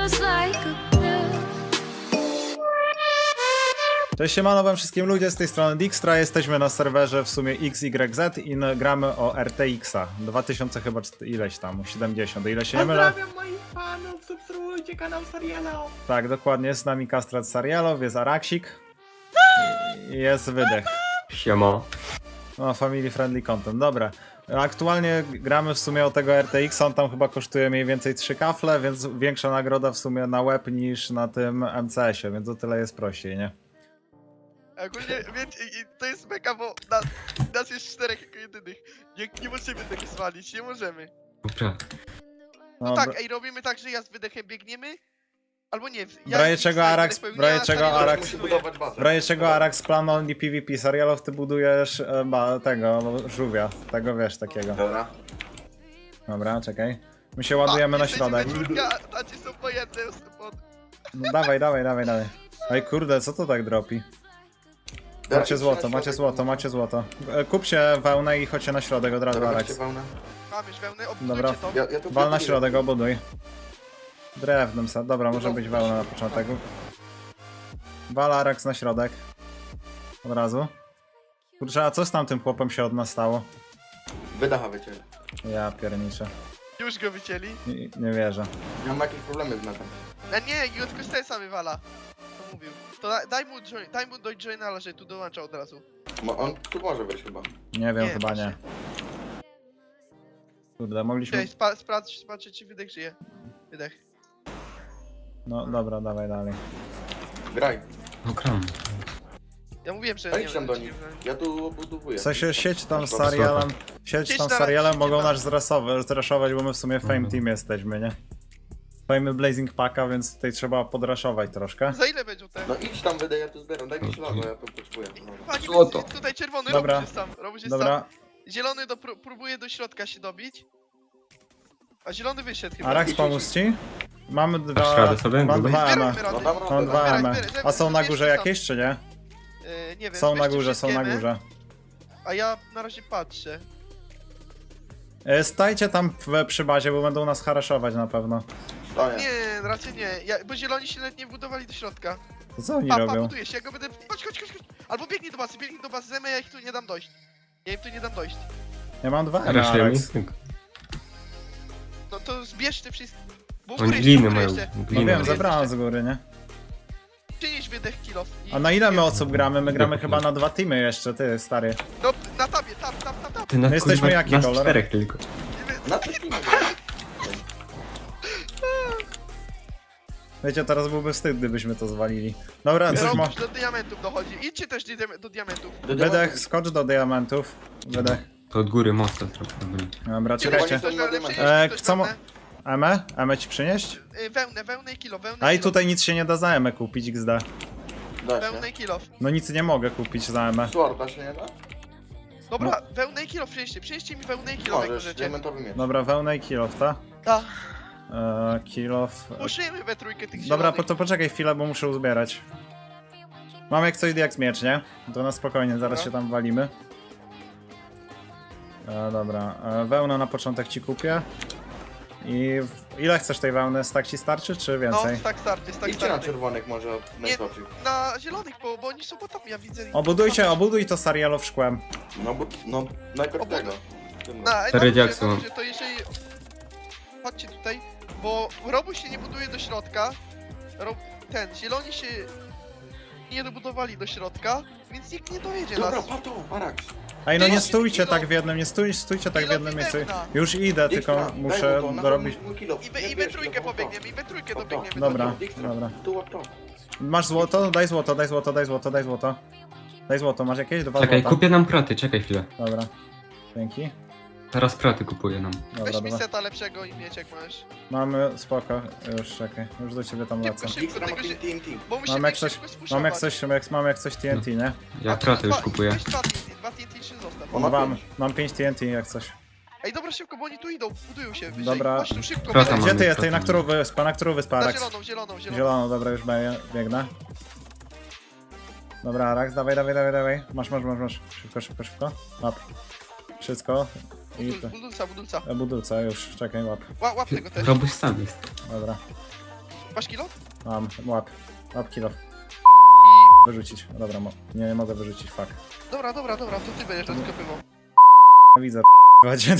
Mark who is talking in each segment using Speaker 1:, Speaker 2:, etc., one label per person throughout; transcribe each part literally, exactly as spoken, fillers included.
Speaker 1: feels like a pill.
Speaker 2: Cześć, siemano wam wszystkim ludzie, z tej strony Dijkstra, jesteśmy na serwerze w sumie X Y Z i no, gramy o R T X-a, dwa tysiące chyba czt- ileś tam, siedemdziesiąt, ile się nie mylę?
Speaker 3: Pozdrawiam moich fanów, subskrybujcie kanał Sarielo.
Speaker 2: Tak, dokładnie, jest z nami Kastrat Sarialow, jest Araksik i jest Wydech.
Speaker 4: Siema.
Speaker 2: No, family friendly content, dobra. Aktualnie gramy w sumie o tego R T X, on tam chyba kosztuje mniej więcej trzy kafle, więc większa nagroda w sumie na łeb niż na tym M C S ie, więc o tyle jest prościej, nie?
Speaker 5: Ogólnie, wiecie, i- i to jest mega, bo nas, nas jest czterech jako jedynych. Nie, nie możemy tego zwalić, nie możemy.
Speaker 4: Dobra.
Speaker 5: No
Speaker 2: Dobra.
Speaker 5: tak, ej, robimy tak, że ja z wydechem biegniemy, albo nie.
Speaker 2: W razie czego Arax- w razie czego Arax-
Speaker 3: Musi budować bazę.
Speaker 2: W razie czego Arax plan only PvP Sarialow, ty budujesz e, ba, tego, żółwia, tego wiesz, takiego.
Speaker 3: Dobra.
Speaker 2: Dobra, czekaj. My się ładujemy na środek.
Speaker 5: A ci są po jednym, pod...
Speaker 2: No, dawaj, dawaj, dawaj, dawaj. Ej kurde, co to tak dropi? Macie złoto, macie złoto, macie złoto. E, Kup się wełnę i chodźcie na środek od razu, Arax.
Speaker 5: Mam już wełnę,
Speaker 2: Dobra.
Speaker 5: obudujcie to.
Speaker 3: Ja, ja tu
Speaker 2: Wal na
Speaker 3: buduję.
Speaker 2: środek, obuduj. Drewnem sad, dobra, może być wełna na początek. Wal Arax na środek. Od razu. Kurczę, a co z tamtym chłopem się od nas stało?
Speaker 3: Wydacha wiecie.
Speaker 2: Ja pierniczę.
Speaker 5: Już go wycięli.
Speaker 2: Nie, nie wierzę.
Speaker 3: Ja mam jakieś problemy z netem.
Speaker 5: A nie, i od Kostesa wywala. To mówił. To da, daj mu, join, daj mu do joinala, że tu dołącza od razu.
Speaker 3: Mo- On tu może wejść chyba.
Speaker 2: Nie wiem,
Speaker 5: Nie,
Speaker 2: chyba nie. Kurde, mogliśmy...
Speaker 5: Cześć, spa, sprawdź, sprawdź, czy wydech żyje. Wydech.
Speaker 2: No dobra, dawaj dalej.
Speaker 3: Graj.
Speaker 4: No gram.
Speaker 5: Ja mówiłem, że
Speaker 3: Ja
Speaker 5: nie
Speaker 3: idź tam
Speaker 5: wiem,
Speaker 3: do
Speaker 5: czy
Speaker 3: nich.
Speaker 5: nie-
Speaker 3: Ja tu obudowuję.
Speaker 2: W sensie sieć tam z
Speaker 3: Masz bardzo
Speaker 2: Sarialem, sieć
Speaker 5: Sieć
Speaker 2: tam z
Speaker 5: na
Speaker 2: Sarialem
Speaker 5: razie,
Speaker 2: mogą
Speaker 5: sieć
Speaker 2: nas zrasować, zraszować, bo my w sumie Fame
Speaker 4: Mhm.
Speaker 2: Team jesteśmy, nie? Mamy Blazing Packa, więc tutaj trzeba podraszować troszkę.
Speaker 5: Za ile będzie te?
Speaker 3: No idź tam wydę, ja tu zbieram. Daj mi śladu, ja to potrzebuję. No.
Speaker 5: Pani
Speaker 4: Złoto.
Speaker 5: będzie- tutaj czerwony
Speaker 2: Dobra.
Speaker 5: robisz sam, robisz sam.
Speaker 2: Dobra,
Speaker 5: Zielony do, pró- próbuje do środka się dobić. A zielony wyszedł chyba.
Speaker 2: Arax pomóż ci? Mamy
Speaker 4: Dasz
Speaker 2: dwa...
Speaker 4: radę sobie?
Speaker 2: Mam
Speaker 4: Gruby?
Speaker 2: dwa M.
Speaker 5: Zbierajmy
Speaker 3: No
Speaker 5: rady.
Speaker 3: dam
Speaker 2: Mam
Speaker 3: radę.
Speaker 2: dwa
Speaker 5: Zbieraj,
Speaker 2: M.
Speaker 5: zbieraj,
Speaker 2: A są na
Speaker 5: zbieraj,
Speaker 2: górze
Speaker 5: zbieraj
Speaker 2: jakieś, czy nie?
Speaker 5: Yy, nie wiem,
Speaker 2: Są na
Speaker 5: weźcie
Speaker 2: górze, są na
Speaker 5: wszystkie
Speaker 2: górze.
Speaker 5: A ja na razie patrzę.
Speaker 2: E, Stajcie tam w, przy bazie, bo będą nas haraszować na pewno.
Speaker 3: Stoję.
Speaker 5: Nie, raczej nie. Ja, bo zieloni się nawet nie budowali do środka.
Speaker 2: To co oni
Speaker 5: Pa, pa,
Speaker 2: robią?
Speaker 5: buduje się, ja go będę... Chodź, chodź, chodź, chodź. Albo biegnij do bazy, biegnij do bazy, zemy, ja ich tu nie dam dojść. Ja im tu nie dam dojść.
Speaker 2: Ja mam dwa M,
Speaker 4: Raszlej mi?
Speaker 2: Arax.
Speaker 5: No to zbierz te wszystkie... Bo u
Speaker 4: Oni
Speaker 5: góry jeszcze,
Speaker 4: gliny
Speaker 5: u góry
Speaker 4: mają.
Speaker 5: jeszcze.
Speaker 2: No
Speaker 4: Gliny
Speaker 2: wiem,
Speaker 4: mają.
Speaker 2: zebrałem z góry, nie?
Speaker 5: Przynieś wydech kilof. i-
Speaker 2: A na ile my
Speaker 5: nie-
Speaker 2: osób gramy? My gramy
Speaker 4: Nie.
Speaker 2: chyba na dwa teamy jeszcze, ty stary.
Speaker 5: No, na tabie, tam, tam, tam, tam.
Speaker 4: Ty na
Speaker 2: My jesteśmy
Speaker 4: kurwa,
Speaker 2: jaki
Speaker 4: nas
Speaker 2: kolor?
Speaker 4: czterech tylko.
Speaker 3: Na coś nie
Speaker 2: Wiecie, teraz byłby wstyd, gdybyśmy to zwalili. Dobra, coś ma...
Speaker 5: Robisz do diamentów dochodzi. Idźcie też do, diam- do diamentów.
Speaker 2: Wydech, skocz do diamentów. Wydech.
Speaker 4: To od góry mocno trochę robili.
Speaker 2: Dobra,
Speaker 5: Czy
Speaker 2: czekajcie.
Speaker 5: ktoś
Speaker 3: na
Speaker 5: wełnę
Speaker 3: diament.
Speaker 5: przynieść?
Speaker 2: E,
Speaker 5: Ktoś
Speaker 2: co mo-
Speaker 5: wełnę?
Speaker 2: Emę? Emę ci przynieść?
Speaker 5: Y, Wełnę, wełnę i kilo, wełnę
Speaker 2: A i
Speaker 5: kilo.
Speaker 2: tutaj nic się nie da za Emę kupić, X D.
Speaker 3: Da
Speaker 5: Wełnę
Speaker 3: się.
Speaker 5: i kilo.
Speaker 2: No nic nie mogę kupić za Emę.
Speaker 3: Sworda się nie da?
Speaker 5: Dobra, wełnę i kilo przynieście. Przynieście mi wełnę i kilo, jak
Speaker 3: Możesz,
Speaker 5: możecie.
Speaker 3: diamentowy miecz.
Speaker 2: Dobra, wełnę i kill off, ta?
Speaker 5: Tak.
Speaker 2: Eee, kill off.
Speaker 5: Puszymy we trójkę tych
Speaker 2: Dobra,
Speaker 5: zielonych.
Speaker 2: po to poczekaj chwilę, bo muszę uzbierać. Mam jak coś jak miecz, nie? To na spokojnie, zaraz
Speaker 5: Dobra.
Speaker 2: się tam walimy. E, dobra, e, wełnę na początek ci kupię. I w... ile chcesz tej wełny? Stak ci starczy, czy
Speaker 5: No,
Speaker 2: więcej?
Speaker 5: tak starczy, tak
Speaker 3: Idźcie na
Speaker 5: starczy.
Speaker 3: czerwonych może najsłabszych.
Speaker 5: Na zielonych, bo, bo oni są po tam, ja widzę.
Speaker 2: Obudujcie, obuduj to Sarialow szkłem.
Speaker 3: No bo, no najpierw
Speaker 5: Obuduj.
Speaker 3: tego.
Speaker 5: Na, na
Speaker 4: Cztery
Speaker 5: górze,
Speaker 4: diaksy
Speaker 5: na
Speaker 4: mam.
Speaker 5: górze, to jeżeli... Chodźcie tutaj, bo robu się nie buduje do środka. Rob... Ten, zieloni się nie dobudowali do środka, więc nikt nie dojedzie
Speaker 3: Dobra,
Speaker 5: nas.
Speaker 3: pato, Arax.
Speaker 2: Ej, no nie
Speaker 5: Ile-
Speaker 2: stójcie
Speaker 5: ile-
Speaker 2: tak w jednym, nie stój, stójcie tak w
Speaker 5: ile
Speaker 2: jednym miejscu.
Speaker 5: wełna?
Speaker 2: Już idę, tylko
Speaker 3: Dijkstra, daj
Speaker 2: muszę
Speaker 3: mu to, na
Speaker 2: dorobić.
Speaker 3: mój kilo.
Speaker 5: I we,
Speaker 3: Nie
Speaker 5: i we
Speaker 3: bierz,
Speaker 5: trójkę
Speaker 3: tylko po to.
Speaker 5: pobiegniemy, i we trójkę
Speaker 3: Po to.
Speaker 5: dobiegniemy.
Speaker 2: Dobra.
Speaker 5: do-
Speaker 3: Dijkstra,
Speaker 2: dobra.
Speaker 3: Tu, o to.
Speaker 2: Masz złoto? Daj złoto, daj złoto, daj złoto, daj złoto. Daj złoto, masz jakieś? Dwa
Speaker 4: Czekaj,
Speaker 2: złota?
Speaker 4: kupię nam proty, czekaj chwilę.
Speaker 2: Dobra. Dzięki.
Speaker 4: Teraz proty kupuję nam.
Speaker 2: Dobra,
Speaker 5: Weź mi
Speaker 2: dobra.
Speaker 5: seta lepszego i mieczek masz.
Speaker 2: Mamy, spoko, już czekaj, już do ciebie tam lecę.
Speaker 5: Szybko,
Speaker 3: Dijkstra ma
Speaker 5: tego się-
Speaker 3: T N T.
Speaker 5: Bo musimy
Speaker 2: Mam jak
Speaker 5: ich
Speaker 2: coś,
Speaker 5: szybko spuszować.
Speaker 2: mam jak coś, jak, mam jak coś T N T, nie?
Speaker 4: Ja
Speaker 5: A tu
Speaker 4: proty już
Speaker 5: dwa-
Speaker 4: kupuję.
Speaker 5: Weź dwa T N T, dwa T N T się zostaw.
Speaker 3: On ma
Speaker 2: Mam,
Speaker 3: pięć.
Speaker 2: mam pięć T N T jak coś.
Speaker 5: Ej, dobra, szybko, bo oni tu idą, budują się wyżej.
Speaker 2: Dobra.
Speaker 5: Chodź tu szybko,
Speaker 4: Prota
Speaker 5: wyżej.
Speaker 2: Gdzie
Speaker 4: mamy
Speaker 2: ty jesteś?
Speaker 4: proty.
Speaker 2: Na którą wyspę? Na którą wyspę,
Speaker 5: Na
Speaker 2: Arax?
Speaker 5: zieloną, zieloną, zieloną.
Speaker 2: Zielono, dobra, już bie- biegnę. Dobra, Arax, dawaj, dawaj, dawaj, dawaj. Masz, masz, masz, masz. Szybko, szybko, szybko. Łap. Wszystko. I
Speaker 5: Budul,
Speaker 2: to.
Speaker 5: budulca, budulca.
Speaker 2: E, Budulca, już, czekaj, łap.
Speaker 5: Ła, łap tego też.
Speaker 4: Robuś sam jest.
Speaker 2: Dobra.
Speaker 5: Masz kilo?
Speaker 2: Mam, łap. Łap kilo.
Speaker 5: I...
Speaker 2: Wyrzucić. Dobra, mo nie, nie mogę wyrzucić, fuck.
Speaker 5: Dobra, dobra, dobra, to ty będziesz rozkopywał.
Speaker 2: Widzę, chodź.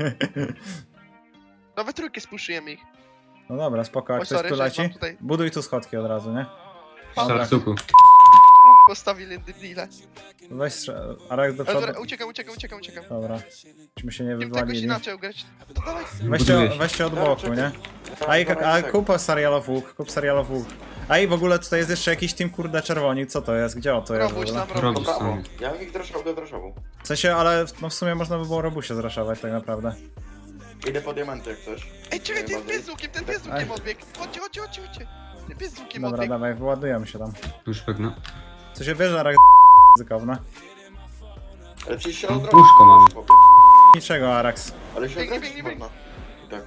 Speaker 5: Nawet trójkę spuszujemy ich.
Speaker 2: No dobra, spoko, a
Speaker 5: Oj,
Speaker 2: ktoś
Speaker 5: sorry,
Speaker 2: tu
Speaker 5: że
Speaker 2: leci?
Speaker 5: mam tutaj-
Speaker 2: Buduj tu schodki od razu, nie? Dobra.
Speaker 4: Sarsuku.
Speaker 5: Łuk postawili debile.
Speaker 2: Weź strze- Arak do
Speaker 5: Ale dobra,
Speaker 2: przodu.
Speaker 5: uciekam, uciekam, uciekam, uciekam.
Speaker 2: Dobra. Myśmy się nie
Speaker 5: Musimy jakoś
Speaker 2: wywalili.
Speaker 5: inaczej ugrać. To dawaj.
Speaker 2: Weźcie,
Speaker 4: Buduje się.
Speaker 2: weźcie od boku, nie? A, i,
Speaker 3: Dobra,
Speaker 2: a
Speaker 3: tak.
Speaker 2: kup serialow łuk, kup serialow łuk. A i w ogóle tutaj jest jeszcze jakiś team kurde czerwoni, co to jest? Gdzie o to jest w
Speaker 5: Robuś
Speaker 2: ogóle?
Speaker 5: nam robi.
Speaker 4: Robuś
Speaker 3: Brawo.
Speaker 4: sam.
Speaker 3: Ja bym ich droszował do droszowu.
Speaker 2: W sensie, ale no w sumie można by było robusie zraszować tak naprawdę.
Speaker 3: Idę po diamenty jak coś.
Speaker 5: Ej, czekaj, ten
Speaker 3: Bardziej.
Speaker 5: pies z łukiem, ten pies z
Speaker 2: Aj.
Speaker 5: łukiem odbiegł. Chodźcie, chodźcie, chodźcie, chodźcie. Ten pies z łukiem
Speaker 2: Dobra,
Speaker 5: odbiegł.
Speaker 2: dawaj, wyładujemy się tam.
Speaker 4: Już pewno.
Speaker 2: Co się wiesz, Arak ryzykowne?
Speaker 3: Ale przecież się
Speaker 4: No,
Speaker 3: odrobić.
Speaker 4: łóżko mamy.
Speaker 3: chłopie.
Speaker 2: Niczego, Arax.
Speaker 3: Ale się
Speaker 5: Biegnie,
Speaker 3: odrobić
Speaker 5: biegnie,
Speaker 3: można. I tak.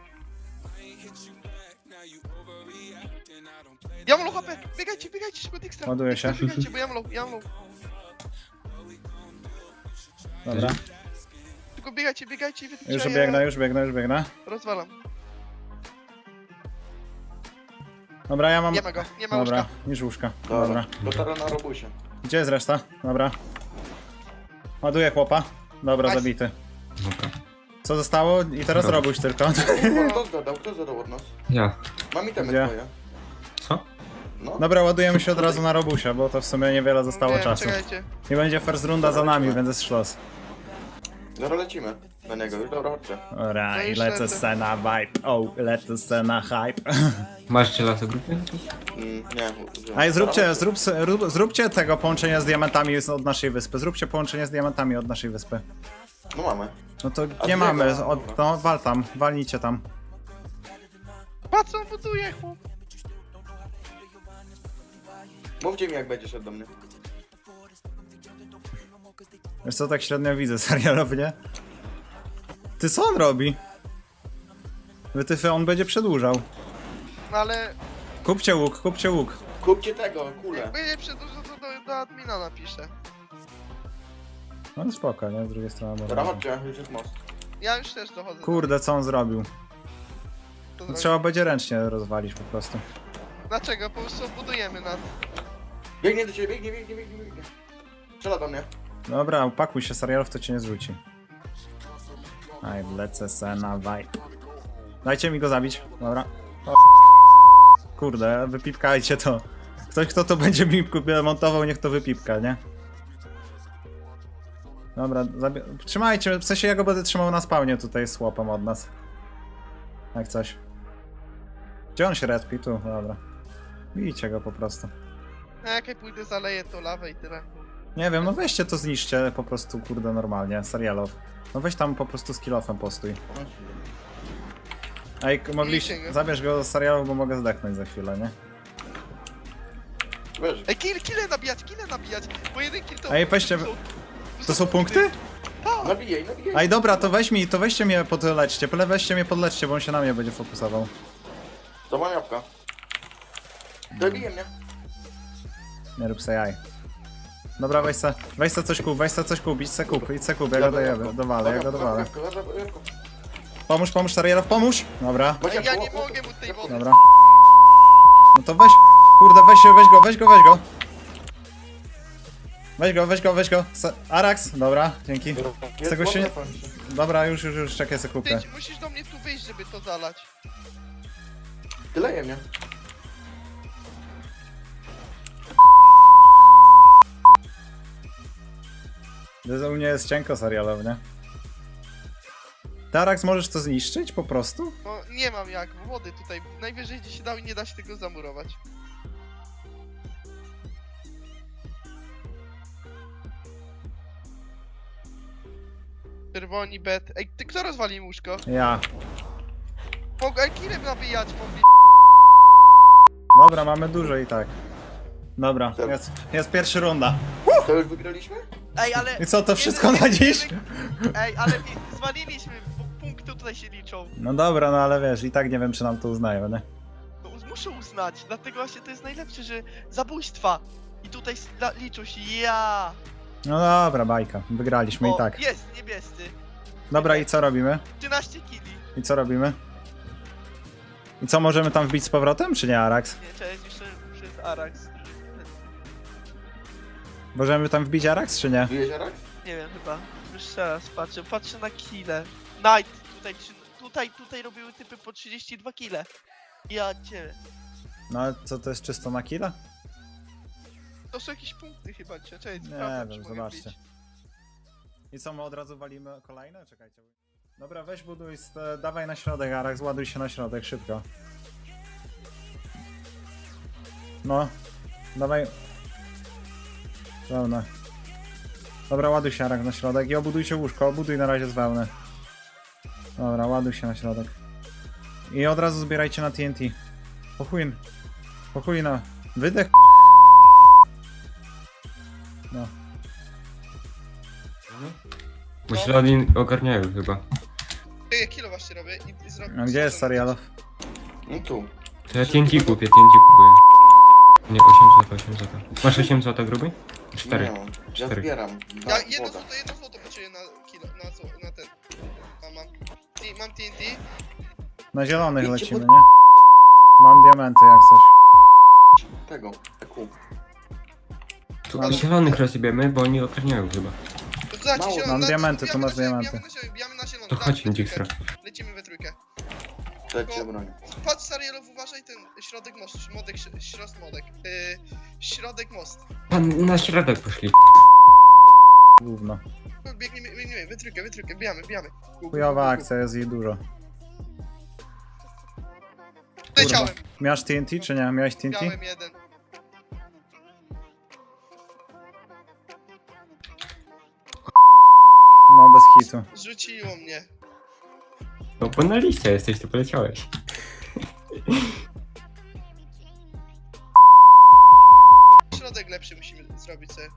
Speaker 5: Ja mam low H P. Biegajcie, biegajcie, szybko Dijkstra.
Speaker 2: Ładuję się.
Speaker 5: Dijkstra, Biegajcie, bo ja mam low, ja mam low.
Speaker 2: Dobra.
Speaker 5: Tylko biegajcie, biegajcie i wytyczajcie.
Speaker 2: Już biegnę, już biegnę, już biegnę.
Speaker 5: Rozwalam.
Speaker 2: Dobra, ja mam...
Speaker 5: Nie ma go, nie ma
Speaker 2: Dobra,
Speaker 5: łóżka.
Speaker 2: niż łóżka.
Speaker 3: Dobra.
Speaker 2: Dobra.
Speaker 3: Dotarę na robusie.
Speaker 2: Gdzie jest reszta? Dobra. Ładuję chłopa. Dobra,
Speaker 5: Nice.
Speaker 2: zabity.
Speaker 4: Dobra.
Speaker 2: Co zostało? I teraz
Speaker 4: Dobra.
Speaker 2: robuś tylko.
Speaker 3: Kto zadał? Kto zadał od nas?
Speaker 4: Ja.
Speaker 3: Mam itemy
Speaker 2: Gdzie?
Speaker 3: twoje.
Speaker 4: Co?
Speaker 3: No.
Speaker 2: Dobra, ładujemy się od razu na robusia, bo to w sumie niewiele zostało
Speaker 5: Wiem,
Speaker 2: czasu.
Speaker 5: Czekajcie.
Speaker 2: Nie będzie first runda za nami, więc jest szlos.
Speaker 3: Dobra, lecimy na niego. Już dobra, chodźcie.
Speaker 2: Ora,
Speaker 5: No
Speaker 2: i
Speaker 5: już
Speaker 2: lecę
Speaker 5: lecę.
Speaker 2: scena vibe. O, lecę scena hype.
Speaker 4: Masz cielasa grupy?
Speaker 3: Mm, nie.
Speaker 2: A i zróbcie, zrób, rób, zróbcie tego połączenia z diamentami od naszej wyspy. Zróbcie połączenie z diamentami od naszej wyspy.
Speaker 3: No mamy.
Speaker 2: No to
Speaker 3: A
Speaker 2: nie
Speaker 3: z
Speaker 2: mamy,
Speaker 3: niego?
Speaker 2: od, no wal tam, walnijcie tam.
Speaker 5: Patrz, on buduje, chłop.
Speaker 3: Mówcie mi jak będzie szedł do mnie.
Speaker 2: Wiesz co, tak średnio widzę serialownie. Ty co on robi? Wytyfy, on będzie przedłużał.
Speaker 5: No ale...
Speaker 2: Kupcie łuk, kupcie łuk.
Speaker 3: Kupcie tego, kulę.
Speaker 5: Jak będzie przedłużał, to do, do admina napiszę.
Speaker 2: No spoko, nie? Z drugiej strony
Speaker 3: Dobra,
Speaker 2: może.
Speaker 3: chodźcie, już jest most.
Speaker 5: Ja już też dochodzę.
Speaker 2: Kurde, co on zrobił?
Speaker 5: To
Speaker 2: No,
Speaker 5: zrobię.
Speaker 2: trzeba będzie ręcznie rozwalić po prostu.
Speaker 5: Dlaczego? Po prostu budujemy nas.
Speaker 3: Biegnie do ciebie, biegnie, biegnie, biegnie, biegnie. Strzela do mnie.
Speaker 2: Dobra, upakuj się, serialów to cię nie zrzuci. Aj, lecę se na vibe. Dajcie mi go zabić, dobra. O, kurde, wypipkajcie to. Ktoś, kto to będzie mi montował, niech to wypipka, nie? Dobra, zabi- trzymajcie, w sensie ja go będę trzymał na spawnie tutaj z łopem od nas. Jak coś. Gdzie on się respi? Tu, dobra. Bijcie go po prostu.
Speaker 5: A jak ja pójdę zaleję to lawę i tyle.
Speaker 2: Nie wiem, no weźcie to zniszcie po prostu, kurde, normalnie, serialow. No weź tam po prostu z kilofem postój. Ej, k- mogliście,
Speaker 5: Bijcie go.
Speaker 2: zabierz go z serialów, bo mogę zdechnąć za chwilę, nie?
Speaker 3: Wiesz,
Speaker 5: Ej, kill, kille nabijać, kille nabijać! Bo jeden kill to...
Speaker 2: Ej, weźcie-
Speaker 5: to
Speaker 2: To są punkty?
Speaker 5: Tak!
Speaker 3: nabijaj, nabijaj.
Speaker 2: Ej, dobra, to weź mi, to weźcie mnie podleczcie, pole weźcie mnie podleczcie, bo on się na mnie będzie fokusował.
Speaker 3: To mam jabłka. Dobije mnie.
Speaker 2: Nie rób se jaj. Dobra, weź se, weź se coś kup, weź se coś kup, idź se kup, idź se kup, ja go dojebę, dowalę, ja go dowalę. Pomóż, pomóż, serialow, pomóż! Dobra,
Speaker 5: Ej, ja nie mogę mu tej wody.
Speaker 2: dobra. No to weź, kurde, weź się, weź go, weź go, weź go. Weź go, weź go, weź go. Se- Arax, dobra, dzięki. Z tego się nie... Dobra, już, już, już, czekaj, se kupię.
Speaker 5: Ty musisz do mnie tu wyjść, żeby to zalać.
Speaker 3: Tyleje mnie.
Speaker 2: To u mnie jest cienko serialowo, nie? Tarax, możesz to zniszczyć po prostu?
Speaker 5: No nie mam jak, wody tutaj. Najwyżej gdzieś się dał i nie da się tego zamurować. Czerwoni, bet. Ej, ty kto rozwalił łóżko?
Speaker 2: Ja.
Speaker 5: Mogę ej, killem nabijać, mogli.
Speaker 2: Dobra, mamy dużo i tak. Dobra, jest, jest pierwsza runda.
Speaker 3: To już wygraliśmy?
Speaker 5: Ej, ale...
Speaker 2: I co, to wszystko na dziś?
Speaker 5: Ej, ale i- zwaliliśmy, bo punkty tutaj się liczą.
Speaker 2: No dobra, no ale wiesz, i tak nie wiem, czy nam to uznają, nie?
Speaker 5: No, uz- muszę uznać, dlatego właśnie to jest najlepsze, że zabójstwa. I tutaj s- la- liczą się ja.
Speaker 2: No dobra, bajka, wygraliśmy
Speaker 5: O,
Speaker 2: i tak.
Speaker 5: jest, niebiescy.
Speaker 2: Dobra, i co robimy?
Speaker 5: trzynaście killi.
Speaker 2: I co robimy? I co, możemy tam wbić z powrotem, czy nie, Arax?
Speaker 5: Nie, cześć, jeszcze przez Arax.
Speaker 2: Możemy tam wbić Arax, czy nie?
Speaker 3: Bijesz Arax?
Speaker 5: Nie wiem, chyba. Jeszcze raz patrzę, patrzę na kile. Night, tutaj, trzy- tutaj, tutaj robiły typy po trzydzieści dwa kile. Ja cię.
Speaker 2: No ale co, to jest czysto na killa?
Speaker 5: To są jakieś punkty chyba, cie- cześć,
Speaker 2: Nie
Speaker 5: sprawdzam, czy
Speaker 2: wiem,
Speaker 5: mogę
Speaker 2: zobaczcie.
Speaker 5: wbić.
Speaker 2: I co, my od razu walimy kolejne? Czekajcie. Dobra, weź buduj, st- dawaj na środek, Arax, ładuj się na środek, szybko. No, dawaj. Wełnę. Dobra, ładuj się, Arax, na środek i obudujcie łóżko, obuduj na razie z wełny. Dobra, ładuj się na środek. I od razu zbierajcie na T N T. Pochuj. Pochuj na... Wydech. No.
Speaker 4: Bo ślady ogarniają chyba.
Speaker 5: Ja kilo właśnie robię i, i zrobię.
Speaker 2: A gdzie jest Sarialow?
Speaker 3: No tu.
Speaker 4: To ja T N T kupię, T N T kupuję. Nie, osiem złotych, osiem złotych. Masz osiem złotych gruby? cztery.
Speaker 3: Nie mam. Ja
Speaker 4: Cztery.
Speaker 3: zbieram.
Speaker 5: Ja
Speaker 3: Da,
Speaker 5: jedno
Speaker 3: woda.
Speaker 5: złoto, jedno złoto potrzebuję na kilo, na, co- na ten. Mam, mam. T- Mam T N T.
Speaker 2: Na zielonych
Speaker 3: Idźcie
Speaker 2: lecimy,
Speaker 3: pod-
Speaker 2: nie? Mam diamenty jak coś.
Speaker 3: Tego. Eku.
Speaker 4: Tu
Speaker 2: Mam-
Speaker 4: zielonych rozjebiemy, bo oni ogarniają chyba.
Speaker 5: Zobaczcie,
Speaker 3: Mało,
Speaker 5: zielony,
Speaker 2: mam
Speaker 5: na-
Speaker 2: diamenty, tu
Speaker 5: bijamy
Speaker 2: masz
Speaker 5: na zielony,
Speaker 2: diamenty.
Speaker 5: bijamy na zielony, bijamy na zielony,
Speaker 4: To
Speaker 5: dawaj,
Speaker 4: chodź,
Speaker 5: we
Speaker 4: Dijkstra.
Speaker 5: trójkę. Lecimy we trójkę.
Speaker 3: Dajcie broń.
Speaker 5: Patrz Sarielow, uważaj ten środek most, modek, środek modek. Yy, środek most.
Speaker 4: Pan na środek poszli.
Speaker 2: Gówno.
Speaker 5: Biegniemy, biegniemy, we trójkę, we trójkę, bijamy, bijamy. Gu, gu,
Speaker 2: Chujowa
Speaker 5: gu, gu.
Speaker 2: akcja, jest jej dużo.
Speaker 5: Leciałem,
Speaker 2: Miałeś T N T czy nie? Miałeś T N T?
Speaker 5: miałem jeden.
Speaker 2: No bez hitu.
Speaker 5: Zrzuciło mnie.
Speaker 4: No bo na liście jesteś, to poleciałeś.
Speaker 5: Środek lepszy musimy zrobić sobie.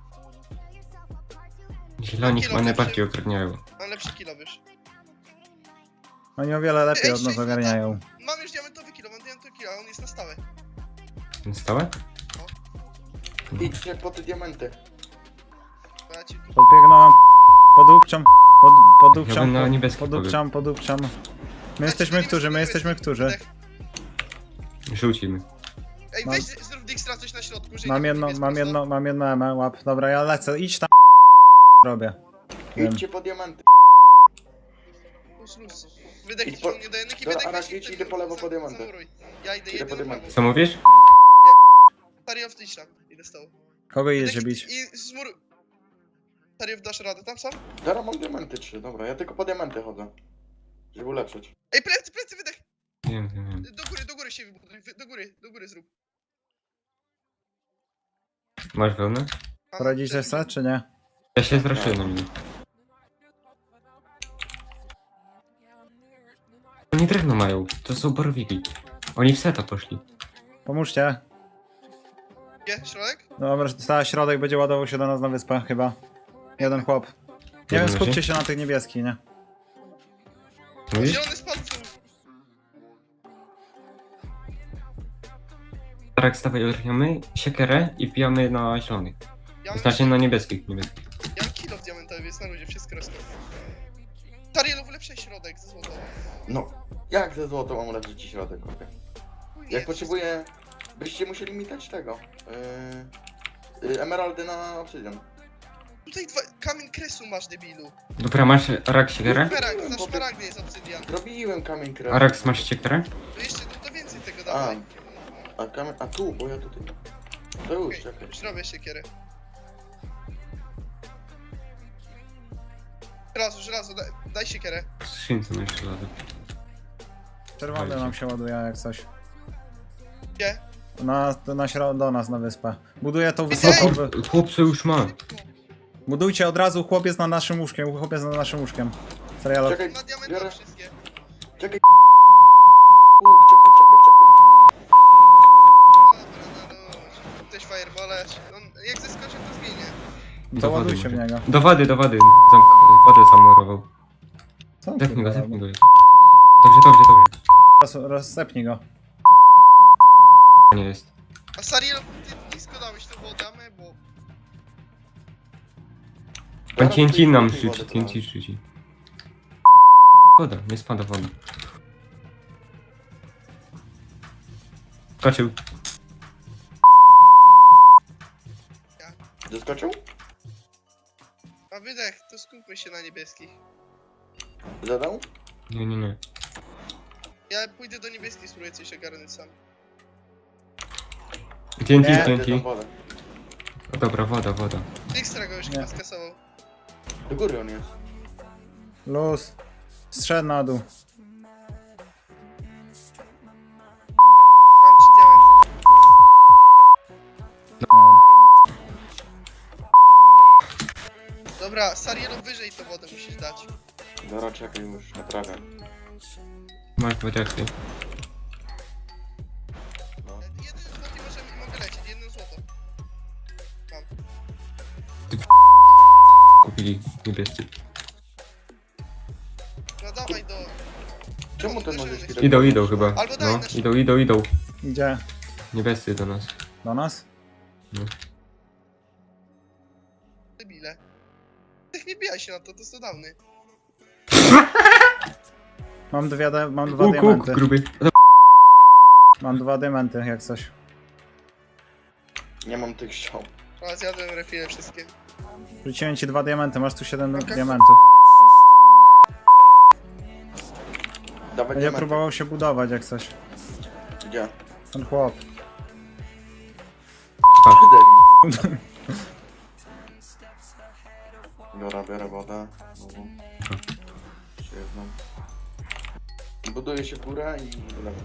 Speaker 4: Zieloni chyba najbardziej ogarniają.
Speaker 5: Mam lepszy kilo, wiesz.
Speaker 2: Oni o wiele lepiej
Speaker 5: Ej,
Speaker 2: od nas
Speaker 5: sześć
Speaker 2: ogarniają.
Speaker 5: Mam już diamentowy kilo, mam diamentowy kilo, a on jest na stałe.
Speaker 4: Stałe?
Speaker 3: Idźcie po te diamenty.
Speaker 5: Ja ci tu...
Speaker 2: Podbiegnąłem, podupczam, pod,
Speaker 4: Ja
Speaker 2: podupczam,
Speaker 4: bym na
Speaker 2: pod,
Speaker 4: niebieski
Speaker 2: podupczam, podupczam. My jesteśmy którzy, my jesteśmy którzy.
Speaker 4: Żółcimy.
Speaker 5: Ej,
Speaker 2: Mam-
Speaker 5: weź zrób Dijkstra coś na środku, że
Speaker 2: Mam
Speaker 5: nie
Speaker 2: jedno,
Speaker 5: wiem,
Speaker 2: mam
Speaker 5: jest
Speaker 2: jedno, mam jedno M, łap. Dobra, ja lecę, idź tam. Robię. Wiem.
Speaker 3: Idźcie po diamenty.
Speaker 5: prosto. Luz, luz. Wydech
Speaker 3: Idź
Speaker 5: idź
Speaker 3: po-
Speaker 5: do mnie do jedynki,
Speaker 3: Dobra,
Speaker 5: wydech
Speaker 3: Arax,
Speaker 5: weź
Speaker 3: idź,
Speaker 5: ten-
Speaker 3: idę po lewo
Speaker 5: za-
Speaker 3: po diamenty.
Speaker 5: zamuruj. Ja idę,
Speaker 3: Idę
Speaker 5: idę
Speaker 3: po
Speaker 5: po
Speaker 3: diamenty.
Speaker 5: prawo.
Speaker 4: Co mówisz?
Speaker 5: Tariow, idź tam, idę z tobą.
Speaker 2: Kogo idziecie
Speaker 5: Wydech,
Speaker 2: bić?
Speaker 5: I zmuruj. Tariow, dasz radę tam sam?
Speaker 3: Dobra, mam diamenty trzy, dobra, ja tylko po diamenty chodzę. Żeby ulepszyć.
Speaker 5: Ej, plecy, plecy, wydech!
Speaker 4: Wiem, wiem, wiem.
Speaker 5: Do góry, do góry się wybuduj, wy- do góry, do góry zrób.
Speaker 4: Masz wełnę?
Speaker 5: Mam
Speaker 2: Poradzicie
Speaker 5: plecy.
Speaker 2: sobie, czy nie?
Speaker 4: Ja się zraszyłem na mnie. Oni drewno mają, to są borowiki. Oni w seta poszli.
Speaker 2: Pomóżcie.
Speaker 5: Gdzie? Środek?
Speaker 2: Dobra, cały środek będzie ładował się do nas na wyspę, chyba. Jeden chłop. Nie wiem,
Speaker 4: Jeden
Speaker 2: skupcie
Speaker 4: leży?
Speaker 2: się na tych niebieskich, nie?
Speaker 4: Mówisz?
Speaker 5: Zielony spadł.
Speaker 4: Tak, stawaj, ogarniamy siekierę i wbijamy na zielonych.
Speaker 5: Ja mam,
Speaker 4: Znaczy na niebieskich, niebieskich.
Speaker 5: ja mam kilo w diamentowy, jest na ludzie, wszystko rozkaz. Tarielow, ulepszaj środek ze złotą.
Speaker 3: No, jak ze złoto mam ulepszyć ci środek, okej. Jak potrzebuję... Byście musieli mi dać tego. Yy, yy, emeraldy na obsydian.
Speaker 5: Tutaj dwa, kamień kresu masz, debilu.
Speaker 4: Dobra, masz Arak siekierę?
Speaker 5: Szmaragd, za szmaragdy jest obsydian.
Speaker 3: Zrobiłem kamień krew.
Speaker 4: Arax, masz siekierę?
Speaker 5: To jeszcze, to, to więcej tego
Speaker 3: A,
Speaker 5: dawaj.
Speaker 3: a kamień... A tu, bo ja tutaj... To już,
Speaker 5: Okej,
Speaker 3: czekaj.
Speaker 5: już robię siekierę. Żelazo, żelazo, daj, daj siekierę.
Speaker 4: Skrzynce masz żelazo.
Speaker 2: Czerwony nam się ładuje jak coś.
Speaker 5: Gdzie?
Speaker 2: Na, na śro- do nas na wyspę. Buduję tą
Speaker 5: Ej!
Speaker 2: wysoką... Wy...
Speaker 4: Chłopcy już ma.
Speaker 2: Budujcie od razu, chłopiec na naszym łóżkiem, chłopiec na naszym łóżkiem. Serialo.
Speaker 3: Czekaj,
Speaker 5: Na diamentowe
Speaker 3: biorę...
Speaker 5: wszystkie.
Speaker 3: Czekaj. U, czekaj, czekaj, czekaj.
Speaker 5: Dobra, no luz. Ktoś fireballać. On, jak zeskoczy, to zginie.
Speaker 2: To
Speaker 4: Do wody
Speaker 2: ładujcie w
Speaker 4: może.
Speaker 2: niego.
Speaker 4: Do wody, do wody. Zamk wodę zamurował.
Speaker 2: Co?
Speaker 4: Zepnij go,
Speaker 2: kurwa,
Speaker 4: zepnij go. Dobrze, dobrze, dobrze.
Speaker 2: roz, rozsepnij go.
Speaker 4: Nie jest.
Speaker 5: A Sariel, ty nisko dałeś tą wodę, a my, bo...
Speaker 4: Pan T N T nam
Speaker 3: Zaraz
Speaker 4: rzuci,
Speaker 3: wodę
Speaker 4: T N T
Speaker 3: dodam.
Speaker 4: rzuci. Woda, nie spada woda. Skoczył.
Speaker 3: Doskoczył?
Speaker 5: A wydech, to skupmy się na niebieskich.
Speaker 3: Zadał?
Speaker 4: Nie, nie, nie.
Speaker 5: Ja pójdę do niebieskich, spróbuję coś ogarnąć sam.
Speaker 4: T N T,
Speaker 2: Nie.
Speaker 4: T N
Speaker 3: Idę
Speaker 4: T.
Speaker 3: tam wodę.
Speaker 4: O, dobra, woda, woda.
Speaker 5: Dijkstra go już
Speaker 2: Nie.
Speaker 5: chyba skasował.
Speaker 3: Do góry on jest.
Speaker 2: Luz. Strzedł na dół.
Speaker 5: Mam ci diamenty. Dobra, Sarielu wyżej to wodę musisz dać.
Speaker 3: Dobra, czekaj już, naprawiam.
Speaker 4: Masz dwa diaksy.
Speaker 3: No.
Speaker 5: Jeden złoty możemy, mogę lecieć, jedno złoto. Mam.
Speaker 4: Kupili niebiescy.
Speaker 5: No dawaj do...
Speaker 3: Czemu ten
Speaker 5: do
Speaker 3: możesz
Speaker 5: zielonych.
Speaker 3: tak-
Speaker 4: Idą, idą chyba.
Speaker 5: Albo daj
Speaker 4: No,
Speaker 5: na
Speaker 4: idą, idą, idą.
Speaker 2: Idzie
Speaker 4: Niebiescy do nas.
Speaker 2: do nas?
Speaker 5: Debile. Tych nie bijaj się na to, to jest cudowny.
Speaker 2: Mam dwie, de- mam dwa
Speaker 4: Łuk, łuk,
Speaker 2: diamenty.
Speaker 4: gruby.
Speaker 2: Mam dwa diamenty, jak coś.
Speaker 3: Nie mam tych ściąg.
Speaker 5: A zjadłem refile wszystkie.
Speaker 2: Rzuciłem ci dwa diamenty, masz tu siedem
Speaker 5: Okej.
Speaker 2: diamentów.
Speaker 3: Dawaj
Speaker 2: Będzie
Speaker 3: diamenty.
Speaker 2: próbował się budować, jak coś.
Speaker 3: Gdzie?
Speaker 2: Ten chłop.
Speaker 3: Debil. Dobra, biorę wodę. Znowu. Jeszcze jedną. Buduję się w górę i wylewam.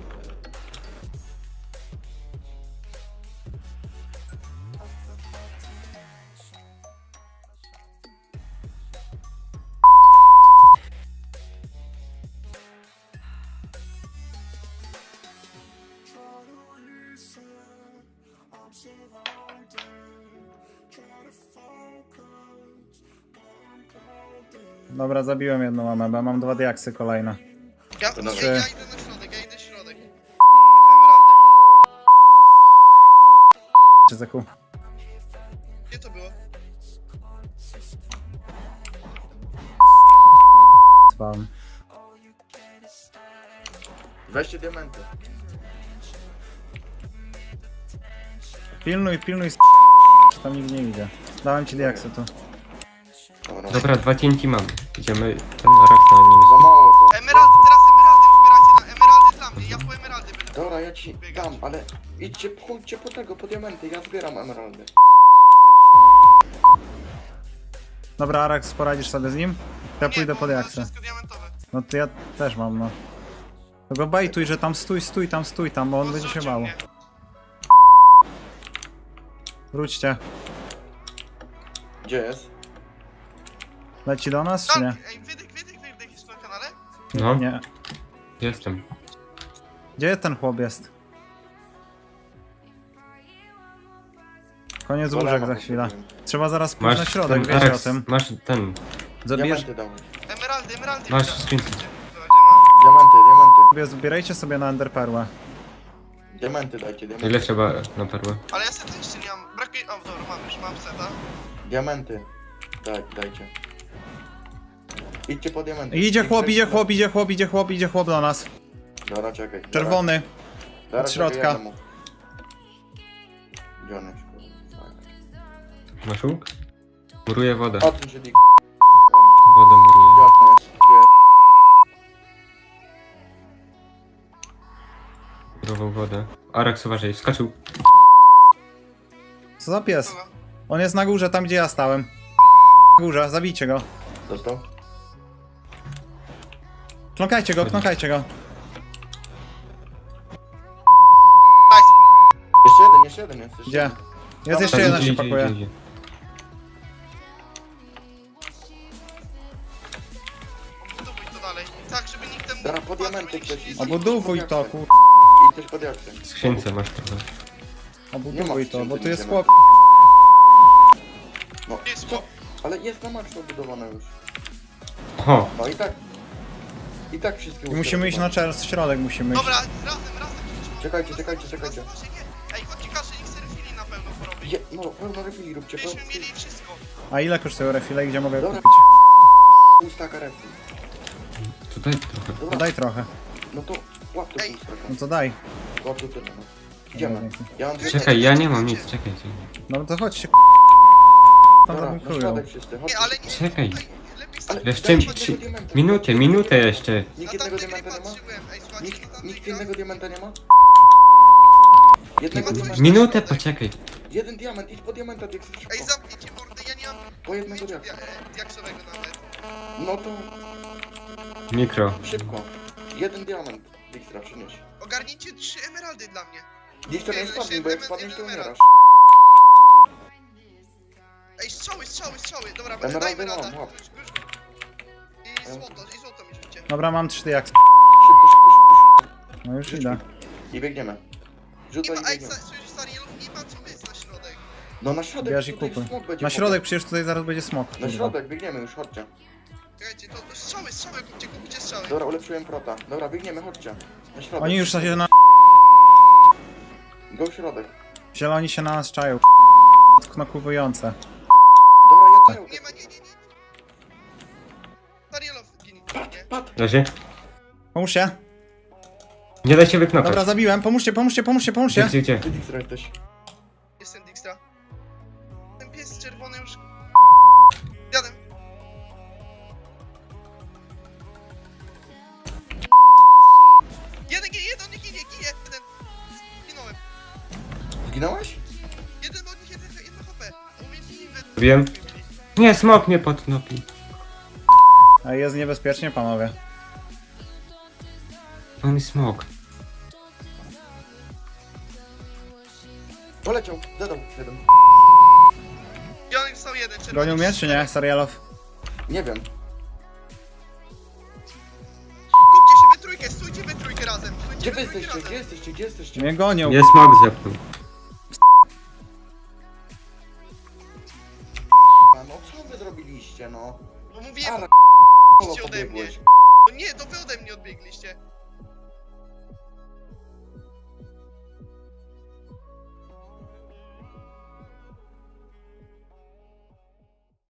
Speaker 2: Dobra, zabiłem jedną amebę, mam dwa diaksy kolejne.
Speaker 5: Ja,
Speaker 3: To
Speaker 5: ja,
Speaker 3: dobrze.
Speaker 5: ja idę na środek, ja idę w środek. Emeraldy.
Speaker 2: Czy zaku?
Speaker 5: Gdzie to było?
Speaker 2: Spałem.
Speaker 3: Weźcie diamenty.
Speaker 2: Pilnuj, pilnuj, s***, tam nikt nie idzie. Dałem ci diaksy tu.
Speaker 3: Dobra.
Speaker 4: Dobra, dwa cięci mamy. Idziemy ten rak na nim.
Speaker 3: Za mało to.
Speaker 5: Emeraldy, teraz emeraldy zbieracie na emeraldy dla mnie, ja po emeraldy będę.
Speaker 3: Dobra, ja ci dam, ale idźcie, chodźcie po tego, po diamenty, ja zbieram emeraldy.
Speaker 2: Dobra, Arax, poradzisz sobie z nim? Ja
Speaker 5: Nie,
Speaker 2: pójdę
Speaker 5: bo
Speaker 2: po
Speaker 5: on ma
Speaker 2: diaksy.
Speaker 5: wszystko diamentowe.
Speaker 2: No to ja też mam, no. To go bejtuj, że tam stój, stój, tam stój, tam, bo on będzie się
Speaker 5: Odrzucił
Speaker 2: bał.
Speaker 5: mnie.
Speaker 2: Wróćcie.
Speaker 3: Gdzie jest?
Speaker 2: Leci do nas, czy nie?
Speaker 5: Tak, ej, wydech, wydech, wydech jest na kanale?
Speaker 4: No,
Speaker 2: Nie.
Speaker 4: jestem.
Speaker 2: Gdzie ten chłop jest? Koniec łóżek
Speaker 3: Golema
Speaker 2: za chwilę.
Speaker 3: potrzebuję.
Speaker 2: Trzeba zaraz pójść na
Speaker 4: Masz
Speaker 2: środek,
Speaker 4: ten
Speaker 2: wiecie o
Speaker 4: Arax,
Speaker 2: tym.
Speaker 4: masz ten.
Speaker 2: Zabierz,
Speaker 3: Diamenty dawaj.
Speaker 5: Emeraldy, emeraldy.
Speaker 4: Masz
Speaker 5: wydech.
Speaker 4: skrzynkę.
Speaker 5: Będzie, no.
Speaker 3: Diamenty, diamenty.
Speaker 2: sobie, zbierajcie sobie na enderperłę.
Speaker 3: Diamenty dajcie, diamenty.
Speaker 4: Ile trzeba na perłę?
Speaker 5: Ale ja sety jeszcze nie mam, brakuje, o dobra, mam już, mam seta.
Speaker 3: Diamenty. Daj, dajcie. Idźcie po diamenty.
Speaker 2: Idzie
Speaker 3: Idź
Speaker 2: chłop,
Speaker 3: przed-
Speaker 2: idzie chłop, idzie chłop, idzie chłop, idzie chłop do nas.
Speaker 3: Dobra, czekaj. Dobra.
Speaker 2: Czerwony.
Speaker 3: Dobra,
Speaker 2: od
Speaker 3: czekaj,
Speaker 2: środka.
Speaker 3: jednemu. Gdzie on jest? Fajnie.
Speaker 4: Masz łuk? Muruję wodę.
Speaker 3: Odsuń się, Dick.
Speaker 4: Wodę muruję.
Speaker 3: Gdzie on jest? Gdzie?
Speaker 4: Murował wodę. Arax, uważaj, skoczył.
Speaker 2: Co za pies?
Speaker 5: Dobra.
Speaker 2: On jest na górze, tam gdzie ja stałem. Na górze, zabijcie go.
Speaker 3: Dostał?
Speaker 2: Kląkajcie go, kląkajcie go.
Speaker 5: Nice.
Speaker 3: Jeszcze jeden, jeszcze jeden jest. Jeszcze
Speaker 2: Gdzie?
Speaker 3: jeden.
Speaker 2: Jest
Speaker 3: Tam,
Speaker 2: jeszcze
Speaker 3: tam,
Speaker 2: jeden
Speaker 4: Idzie,
Speaker 2: się
Speaker 4: idzie,
Speaker 2: pakuje.
Speaker 4: idzie, idzie.
Speaker 5: Budowuj to dalej. Tak, żeby nikt tam...
Speaker 3: Dobra, po diamenty
Speaker 5: żeby nikt się
Speaker 3: ktoś
Speaker 5: nie
Speaker 3: idzie.
Speaker 2: Obudowuj to, kur...
Speaker 3: I ktoś pod jaksem.
Speaker 4: W skrzynce masz trochę.
Speaker 2: Obudowuj to, bo tu
Speaker 3: skrzynce
Speaker 2: jest
Speaker 3: nic
Speaker 2: chłop.
Speaker 3: No,
Speaker 5: Jest
Speaker 3: co?
Speaker 5: chłop.
Speaker 3: Ale jest na maksa obudowane już.
Speaker 4: O!
Speaker 3: No i tak. I tak wszystkie
Speaker 2: I musimy iść na czerw, środek musimy iść.
Speaker 5: Dobra, razem, razem.
Speaker 3: Czekajcie, czekajcie, czekajcie.
Speaker 5: Razem, może nie. Ej, chodźcie każdy, niech sobie refili na pewno porobi.
Speaker 3: Je, no, pełno refili róbcie, pełno.
Speaker 5: Byśmy mieli wszystko.
Speaker 2: A ile kosztują refile i gdzie mogę
Speaker 3: Dobra.
Speaker 2: kupić?
Speaker 3: Pół staka refili.
Speaker 4: Tutaj trochę.
Speaker 2: To
Speaker 3: Dobra,
Speaker 2: daj trochę.
Speaker 3: no to łap to
Speaker 5: Ej.
Speaker 3: pół staka.
Speaker 2: No to daj.
Speaker 3: Łap to tyle, no. Idziemy.
Speaker 2: dzięki.
Speaker 3: Ja mam dwie...
Speaker 4: Czekaj, ja nie mam nic, czekaj.
Speaker 2: No to chodźcie. Tam
Speaker 3: Dobra, na
Speaker 2: zabunkują.
Speaker 3: środek wszyscy, chodźcie.
Speaker 5: Nie, ale nie,
Speaker 4: Czekaj.
Speaker 5: tutaj lepiej
Speaker 3: Ale
Speaker 5: stać.
Speaker 4: Jeszcze
Speaker 3: dajcie
Speaker 4: trzy-
Speaker 3: jednego diamenta.
Speaker 4: Minutę, minutę jeszcze.
Speaker 3: Nikt
Speaker 5: Na
Speaker 3: jednego
Speaker 5: tamte gry
Speaker 3: diamenta nie ma?
Speaker 5: patrzyłem. Ej, słuchajcie, na
Speaker 3: Nikt,
Speaker 5: tamte
Speaker 3: nikt
Speaker 5: gry-
Speaker 3: jednego diamenta nie ma? Jednego
Speaker 5: ma
Speaker 3: diamenta.
Speaker 5: coś-
Speaker 4: Minutę, poczekaj.
Speaker 3: Jeden diament, idź po diamenta, Dixie, szybko.
Speaker 5: Ej, zamknijcie mordę, ja nie mam
Speaker 3: Po jednego
Speaker 5: pięciu
Speaker 3: diaksa.
Speaker 5: dia- diaksowego nawet.
Speaker 3: No to
Speaker 4: Mikro.
Speaker 3: szybko. Jeden diament, Dijkstra, przynieś.
Speaker 5: Ogarnijcie trzy emeraldy dla mnie.
Speaker 3: Dijkstra nie
Speaker 5: Jeden
Speaker 3: spadnij, bo jak
Speaker 5: emerald,
Speaker 3: spadniesz, to
Speaker 5: jeden
Speaker 3: umierasz.
Speaker 5: Ej, strzały, strzały, strzały. Dobra,
Speaker 3: Emeraldy
Speaker 5: daj
Speaker 3: mam,
Speaker 5: emeralda.
Speaker 3: łap.
Speaker 5: Już, już. I złoto, i złoto mi rzućcie.
Speaker 2: Dobra, mam trzy jak.
Speaker 3: Szybko, szybko, szybko, szybko.
Speaker 2: No już
Speaker 3: Rzuć
Speaker 2: idę.
Speaker 3: mi. I biegniemy.
Speaker 5: Nie
Speaker 3: Rzucaj
Speaker 5: ma,
Speaker 3: i
Speaker 5: ej,
Speaker 3: biegniemy.
Speaker 5: słyszysz, stary, nie ma co być na środek.
Speaker 3: No na środek,
Speaker 2: Bierz i
Speaker 3: tutaj
Speaker 2: kupuj.
Speaker 3: smok będzie
Speaker 2: Na
Speaker 3: potem.
Speaker 2: środek, przecież tutaj zaraz będzie smok.
Speaker 3: Na
Speaker 2: kurwa.
Speaker 3: środek, biegniemy już, chodźcie.
Speaker 5: Czekajcie, to to strzały, strzały, kupcie, kupcie strzały.
Speaker 3: Dobra, ulepszyłem prota. Dobra, biegniemy, chodźcie. Na środek.
Speaker 2: Oni już się na...
Speaker 3: Go w środek.
Speaker 2: Zieloni się na nas czają. Knokujące.
Speaker 3: Dobra, ja daję.
Speaker 5: Nie ma, nie, nie, nie. Starielow, gin, nie.
Speaker 3: Pat!
Speaker 4: Leży.
Speaker 2: Pomóżcie.
Speaker 4: Nie da się wyknopać.
Speaker 2: Dobra, zabiłem. Pomóżcie, pomóżcie, pomóżcie, pomóżcie.
Speaker 4: Gdzie, gdzie?
Speaker 3: Ty Dijkstra jesteś.
Speaker 5: Jestem Dijkstra. Ten pies czerwony już... Jadę. Jeden, ginie, jeden, nie ginie, ginie, jeden. Zginąłem.
Speaker 3: Zginąłeś?
Speaker 5: Jeden od nich, jeden, jedno H P. A u mnie ginie.
Speaker 4: Wiem. Nie, smok mnie podnopi.
Speaker 2: A jest niebezpiecznie, panowie.
Speaker 4: To mi smok.
Speaker 3: Poleciał, zadał jeden.
Speaker 5: Zielony został jeden, czerwony.
Speaker 2: Gonił mnie, czy nie, Sarialow?
Speaker 3: Nie wiem.
Speaker 5: Kupcie się we trójkę, stójcie we trójkę razem. Stójcie
Speaker 3: Gdzie
Speaker 5: we
Speaker 3: wy
Speaker 5: trójkę
Speaker 3: jesteście?
Speaker 5: razem.
Speaker 3: Gdzie jesteście? Gdzie jesteście?
Speaker 2: Mnie gonią.
Speaker 4: Nie, smok zepnął.
Speaker 3: A no co wy zrobiliście, no?
Speaker 5: No mówiłem,
Speaker 3: Ara,
Speaker 5: idźcie ode mnie.
Speaker 3: pobiegłeś.
Speaker 5: No nie, to wy ode mnie odbiegliście.